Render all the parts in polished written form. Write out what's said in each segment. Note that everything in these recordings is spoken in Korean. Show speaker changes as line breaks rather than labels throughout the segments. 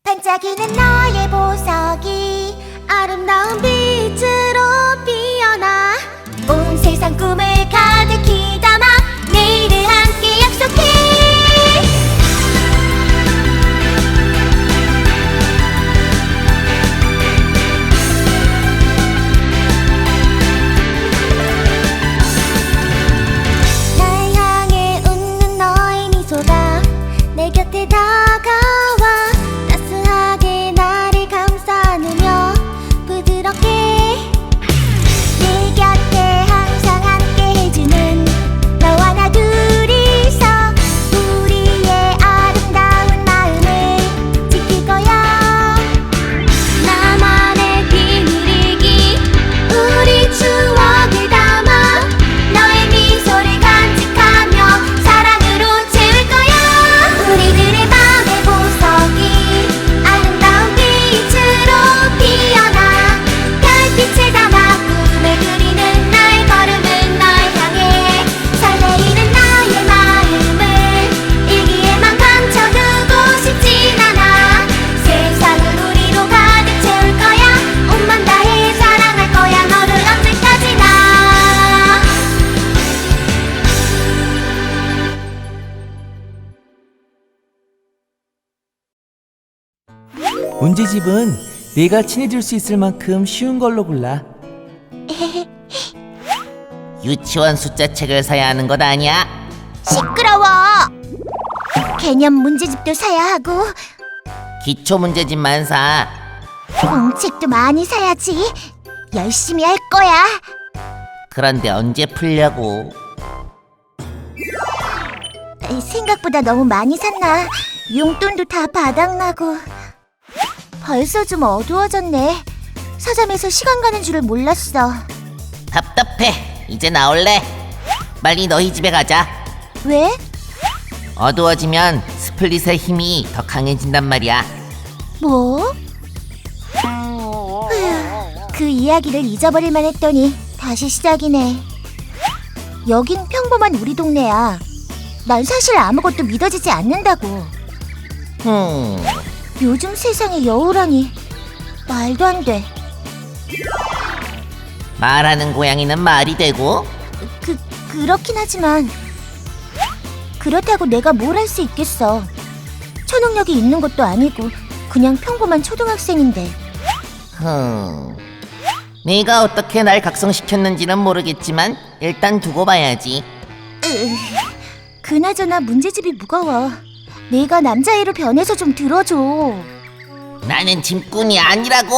반짝이는 너의 보석이 아름다운 빛으로 피어나 온 세상 꿈을 가득히 담아 내일을 함께 약속해. 날 향해 웃는 너의 미소가 내 곁에 다가와 따스하게 나를 감싸 안으며 부드럽게 내 곁에 항상 함께 해주는 너와 나 둘이서 우리의 아름다운 마음을 지킬 거야. 나만의 비밀이기 우리 추억을 담아 너의 미소를 간직하며 사랑으로 채울 거야. 우리들의 밤의 보석이 아름다운 빛으로 피어나 별빛을 담아 꿈을 그리는 나의 걸음은 널 향해 설레이는 나의 마음을 일기에만 감춰두고 싶진 않아. 세상을 우리로 가득 채울 거야. 온맘 다해 사랑할 거야 너를 언제까지나.
문제집은 내가 친해질 수 있을 만큼 쉬운 걸로 골라.
유치원 숫자책을 사야 하는 것 아니야?
시끄러워. 개념 문제집도 사야 하고
기초 문제집만 사.
공책도 많이 사야지. 열심히 할 거야.
그런데 언제 풀려고?
생각보다 너무 많이 샀나. 용돈도 다 바닥나고. 벌써 좀 어두워졌네. 서점에서 시간 가는 줄을 몰랐어.
답답해. 이제 나올래. 빨리 너희 집에 가자.
왜?
어두워지면 스플릿의 힘이 더 강해진단 말이야.
뭐? 휴, 그 이야기를 잊어버릴만 했더니 다시 시작이네. 여긴 평범한 우리 동네야. 난 사실 아무것도 믿어지지 않는다고. 요즘 세상에 여우라니 말도 안 돼.
말하는 고양이는 말이 되고.
그렇긴 하지만 그렇다고 내가 뭘 할 수 있겠어. 초능력이 있는 것도 아니고 그냥 평범한 초등학생인데.
네가 어떻게 날 각성시켰는지는 모르겠지만 일단 두고 봐야지.
그나저나 문제집이 무거워. 내가 남자애로 변해서 좀 들어줘.
나는 짐꾼이 아니라고.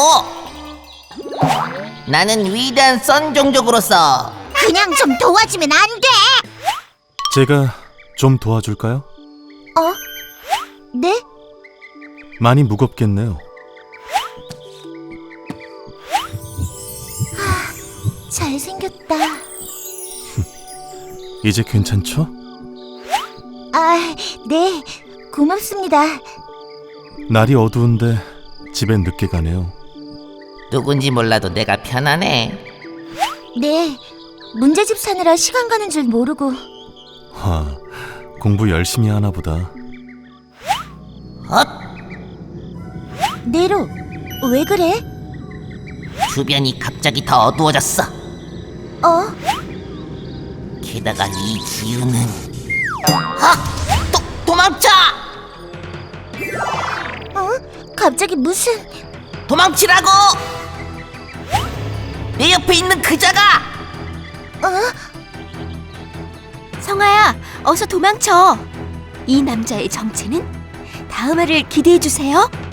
나는 위대한 선 종족으로서.
그냥 좀 도와주면 안 돼?
제가 좀 도와줄까요?
네?
많이 무겁겠네요.
잘생겼다.
이제 괜찮죠?
아, 네. 고맙습니다.
날이 어두운데 집에 늦게 가네요.
누군지 몰라도 내가 편하네.
네. 문제집 사느라 시간 가는 줄 모르고.
공부 열심히 하나 보다.
네로, 왜 그래?
주변이 갑자기 더 어두워졌어. 게다가 이 기운은. 도망쳐!
갑자기 무슨...
도망치라고! 내 옆에 있는 그자가!
성아야, 어서 도망쳐. 이 남자의 정체는 다음 화를 기대해주세요.